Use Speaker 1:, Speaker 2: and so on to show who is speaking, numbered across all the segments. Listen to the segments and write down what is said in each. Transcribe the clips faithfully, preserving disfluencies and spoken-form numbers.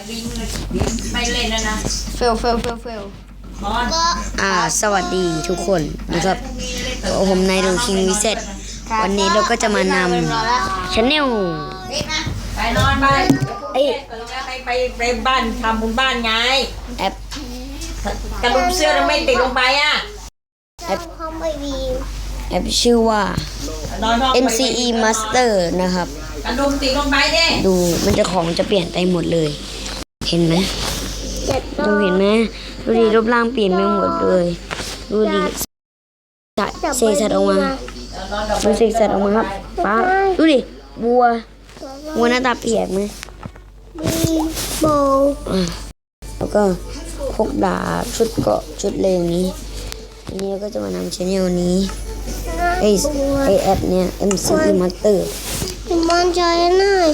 Speaker 1: ไปเล่นนะนะ
Speaker 2: เฟลเฟลเฟลเฟล
Speaker 3: อ่าสวัสดีทุกคนนะครับผมนายดูคิงวิเศษวันนี้เราก็จะมานำชาแนล
Speaker 1: ไปนอนไป
Speaker 3: เอ้ย
Speaker 1: ไปไปไปบ้านทำบุญบ้านไง
Speaker 3: แอป
Speaker 1: กระดุมเสื้อทำไมติดลงไปอ่ะ
Speaker 3: แอปแอปชื่อว่า เอ็ม ซี อี Master นะครับ
Speaker 1: กระดุมติดลงไปดิ
Speaker 3: ดูมันจะของจะเปลี่ยนไปหมดเลยเห็นไหมดูเห็นไหมดูดิรูปร่างเปลี่ยนไปหมดเลยดูดิเสกสัตว์ออกมาดูเสกสัตว์ออกมาครับป้าดูดิบัวบัวหน้าตาเปียกไหม
Speaker 2: โบ
Speaker 3: แล้วก็พกดาบชุดเกาะชุดเลงนี้อันนี้ก็จะมานำชแนลนี้ไอไอแอปเนี่ย เอ็ม ซี อี Master
Speaker 2: มันใจหน่อย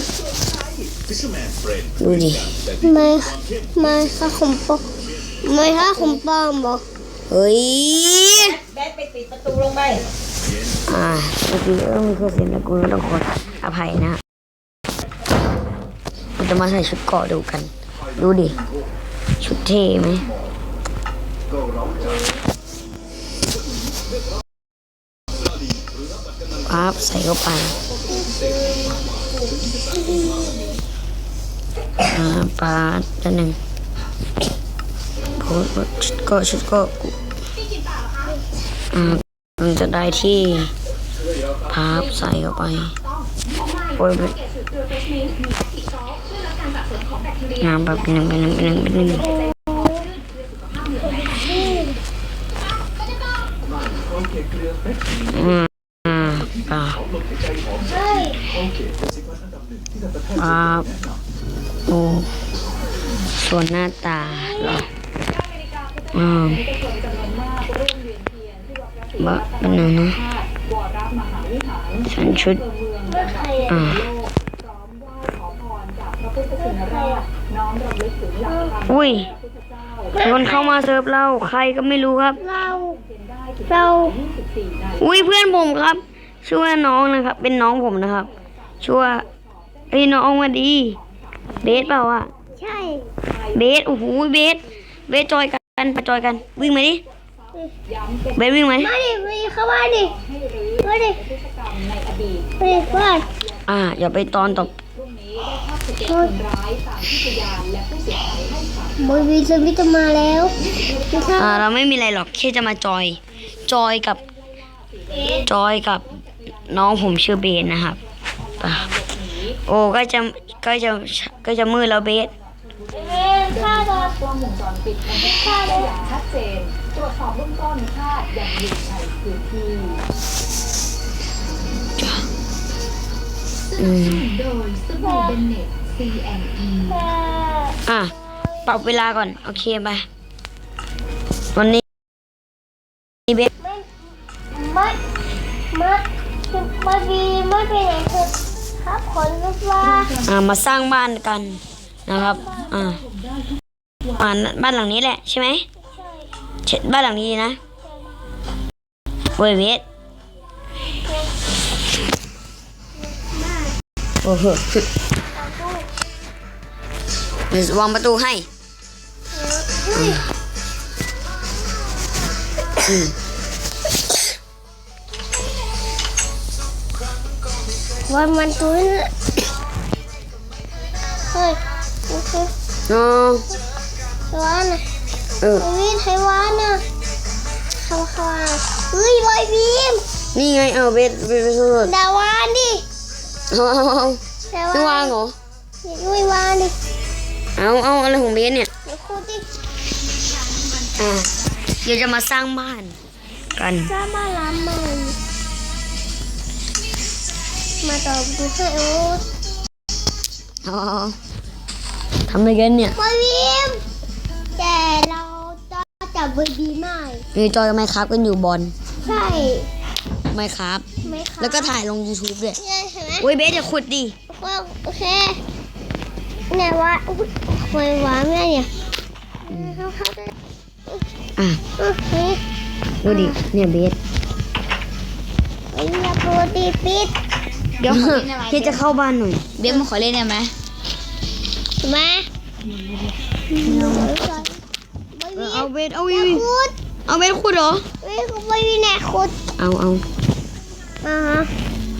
Speaker 3: ดูดิ
Speaker 2: ไม่ไม่ค่ะผมปองไม่ค่ะผมปองบอก
Speaker 3: เฮ้ย
Speaker 1: แบทไปติดประตูลงไป
Speaker 3: อ่าเมื่อกี้เออมีเครื่องเสียงตะกูลต้องขออภัยนะเราจะมาใส่ชุดเกาะดูกันดูดิชุดเท่ไหมปั๊บใส่เข้าไปอ่าปาดด้านหนึ่งโพสชุดเกาะชุดเกาะอ่ามันจะได้ที่พับใส่เข้าไปโอ้ยงามแบบหนึ่งเป็นหนึ่งเป็นหนึ่งเป็นหนึ่งอืมอ่าอ่าอ่าโอ้ส่วนหน้าตาเหรออ่าบะเป็นไงนะฉันชุดอ่าอุ้ยคนเข้ามาเซิร์ฟเราใครก็ไม่รู้ครับ
Speaker 2: เราเรา
Speaker 3: อุ้ยเพื่อนผมครับชื่อว่าน้องนะครับเป็นน้องผมนะครับชื่อว่าไอ้น้องมาดีเบสเปล่าอ่ะ
Speaker 2: ใช่
Speaker 3: เบสโอ้โหเบสเบสจอยกันไปจอยกันวิ่งมาดิเบสวิ่งไหม
Speaker 2: มาดิมาดิเข้ามาดิมาดิมาดิบ้าน
Speaker 3: อ่าอย่าไปตอนตบ
Speaker 2: บอยวีสวิตมาแล้ว
Speaker 3: อ่าเราไม่มีอะไรหรอกแค่จะมาจอยจอยกับจอยกับน้องผมชื่อเบสนะครับโอ้ก็จะก็จะก็จะมืดแล้วเบส
Speaker 2: ค่าดอก
Speaker 4: กล้องวงจรปิดบันทึกภาพได้อย่างชัดเจนตรวจสอบเบื้องต้นคาดยังอยู่ในพื้นที่
Speaker 3: อืม
Speaker 4: โดยสบู่เบนเน็ต ซี แอนด์ อี
Speaker 3: อ่ะปรับเวลาก่อนโอเคไปวันนี้เบส
Speaker 2: มัดมัดมัดวีมัดไปไหนคือครับขนลูกว่า
Speaker 3: อ่ามาสร้างบ้านกันนะครับอ่าบ้านบ้านหลังนี้แหละใช่ไหมใช่บ้านหลังนี้นะเว้ยเบสโอ้โหเดี๋ยววางประตูให้
Speaker 2: วันมันตุ้นเฮ้ย
Speaker 3: โอ้
Speaker 2: วานนะ
Speaker 3: เออ
Speaker 2: วินไทยวานนะเขาเขาเฮ้ยบอยบีม
Speaker 3: นี่ไงเอาเบสเบสสุด
Speaker 2: ดาวานดิ
Speaker 3: เอาเอาเอาไม่วางเหรอ
Speaker 2: ไม่วางดิ
Speaker 3: เอาเอาอะไรของเบสเนี่ย
Speaker 2: เดี๋ยวคูดิ
Speaker 3: อ่าเดี๋ยวจะมาสร้างบ้านกัน
Speaker 2: สร้างบ้านล้ำมันมาต่อดูให้โอ๊ต
Speaker 3: เอาทำอะไรกันเนี่ย
Speaker 2: บอยบีมแต่เราจะจับบอยบีมไม่
Speaker 3: มีจอยกับไมค์ครับกันอยู่บอล
Speaker 2: ใช่
Speaker 3: ไมค์ครับ
Speaker 2: ไม่ครับ
Speaker 3: แล้วก็ถ่ายลง YouTube ด้วย
Speaker 2: ใช่เห็นไหม
Speaker 3: โอ้ยเบสอย่าขุดดิ
Speaker 2: โอเคไหนวะไม่วะแม่เนี่ยเขาเขาจะ
Speaker 3: อ่ะดูดิเนี่ยเบส
Speaker 2: ไอ้ยาโปรตีปิด
Speaker 3: เดี๋ยวพี่จะเข้าบ้านหน่อย
Speaker 4: เบสมาขอเล่นได้ไหม
Speaker 2: มาไม่
Speaker 3: เอา
Speaker 2: มี
Speaker 3: เบสเอา
Speaker 2: อ
Speaker 3: วิ
Speaker 2: ย่าว ขุด
Speaker 3: เอาเบสขุดเหรอ
Speaker 2: ไม่ไม่มีแหนขุด
Speaker 3: เอาเอา
Speaker 2: อ่าฮะ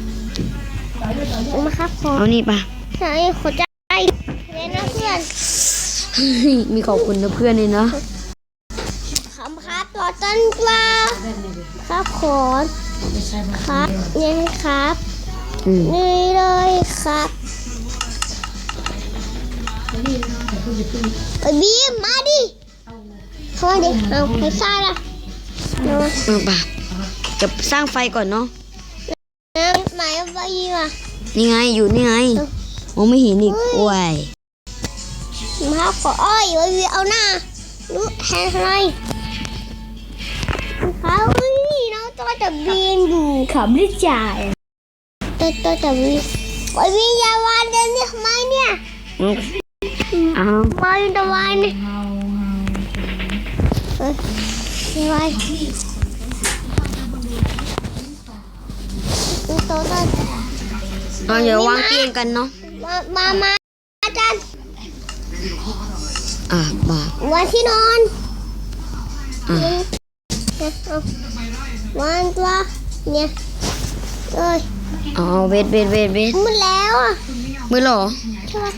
Speaker 2: มาครับผม
Speaker 3: เอานี่ปะ
Speaker 2: ใช่ขอใจเลยนะเพื่อน
Speaker 3: มีขอบคุณนะเพื่อนเลยเนาะ
Speaker 2: คำครับตัวต้นกล้าครับขอนครับเนี่ยครับ
Speaker 3: อืม
Speaker 2: นี่เลยครับไอ้บีมมาดิเข้ามาดิเอาไปซ่าละเอา
Speaker 3: เอาปะจะสร้างไฟก่อนเนาะ
Speaker 2: เอาไหนเอาไปบีมอ่ะ
Speaker 3: นี่ไงอยู่นี่ไงมองไม่เห็นอีกโอ้ย
Speaker 2: มาครับขออ้อยไว้บีเอาหน้าดูแทนอะไรเขานี่น้องตัวจะบินอยู่ขับได้จ่ายตัวตัวจะบินไอ้บีอย่าวานเดินนี่ทำไมเนี่ย
Speaker 3: เอา
Speaker 2: วานตะวันเนี่ยเอ้ยไม่ไหวตัวตัว
Speaker 3: เราอย่าวางเตียงกันเนาะ
Speaker 2: มามามาอาจารย์
Speaker 3: อ่ะบา
Speaker 2: วันที่นอน
Speaker 3: อ่ะ
Speaker 2: เอาวันตัวเนี่ยเอ้ย
Speaker 3: เอาเอาเบสเบสเบสเบส
Speaker 2: หมดแล้วอ่ะ
Speaker 3: มือเหรอ
Speaker 2: ใช่ไหม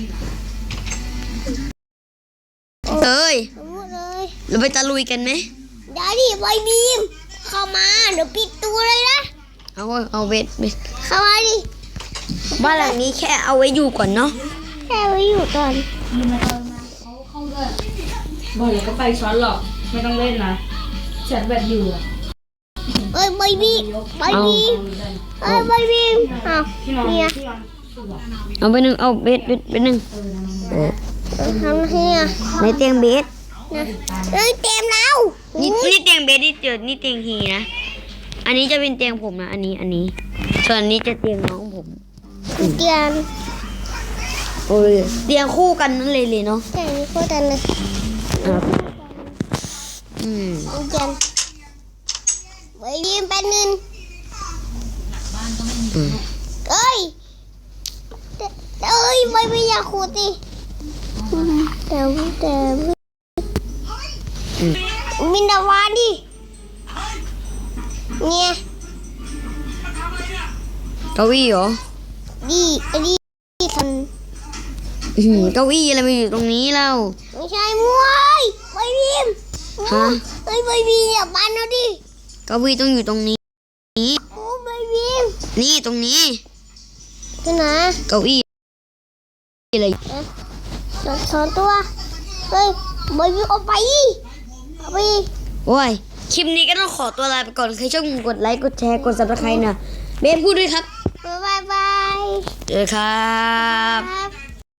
Speaker 3: เอ้ย
Speaker 2: หมดเลย
Speaker 3: เราไปตะลุยกันไหม
Speaker 2: เดี๋ยวดิไวบีมเข้ามาเดี๋ยวปิดตัวเลยนะ
Speaker 3: เอาเอาเบสเบส
Speaker 2: เข้ามาดิ
Speaker 3: บ้านหลังนี้แค่เอาไว้อยู่ก่อนเนาะ
Speaker 2: แค่ไว้อยู่ก่อน
Speaker 1: บอกเลยก็ไปช้อนหรอก ไม่ต้องเล่นนะฉันแบบอยู่อะ
Speaker 2: เอ้ยไวบีมไวบีมเอ้ยไวบีมอ้าวเนี่ย
Speaker 3: เอาไปหนึ่งเอาเบสเบสไปหนึ่งเออ
Speaker 2: ทำไงอ่ะ
Speaker 3: ในเตียงเบส
Speaker 2: นะเอ้ยเต็มแล้ว
Speaker 3: นี่นี่เตียงเบสนี่เจอนี่เตียงฮีนะ อันนี้จะเป็นเตียงผมนะ อันนี้อันนี้ ส่วนอันนี้จะเตียงน้องผม
Speaker 2: เตียง
Speaker 3: โอ้ยเตียงคู่กันนั่นเลยเลยเนาะ
Speaker 2: เตียงนี้โคตรเลย
Speaker 3: อ่ะอืม
Speaker 2: เตียงไวบีมแป๊บนึง
Speaker 3: อืม
Speaker 2: เอ้ยเอ้ยไม่ไม่อยากขูดดิแต่แต่มินดาวานดิเนี่ย
Speaker 3: เก้าอี้เหรอ
Speaker 2: ดีไอ้ดีทัน
Speaker 3: อื้อหือเก้าอี้อะไรมาอยู่ตรงนี้เล่า
Speaker 2: ไม่ใช่มวยไวบีม
Speaker 3: ฮะ
Speaker 2: เอ้ยไวบีมอย่าบ้านเอาดิ
Speaker 3: เก้าอี้ต้องอยู่ตรงนี้
Speaker 2: โอ้ไวบีม
Speaker 3: นี่ตรงนี้
Speaker 2: ที่ไหน
Speaker 3: เก้าอี้อะไร
Speaker 2: สองตัวเฮ้ยไวบีมเอาไปเอาไป
Speaker 3: โอ้ย คลิปนี้ก็ต้องขอตัวลาไปก่อน ใครชอบกดไลค์ กดแชร์ กดซับสไครต์นะเบนพูดด้วยครับ
Speaker 2: บายบาย
Speaker 3: เจอครับ
Speaker 2: ครับ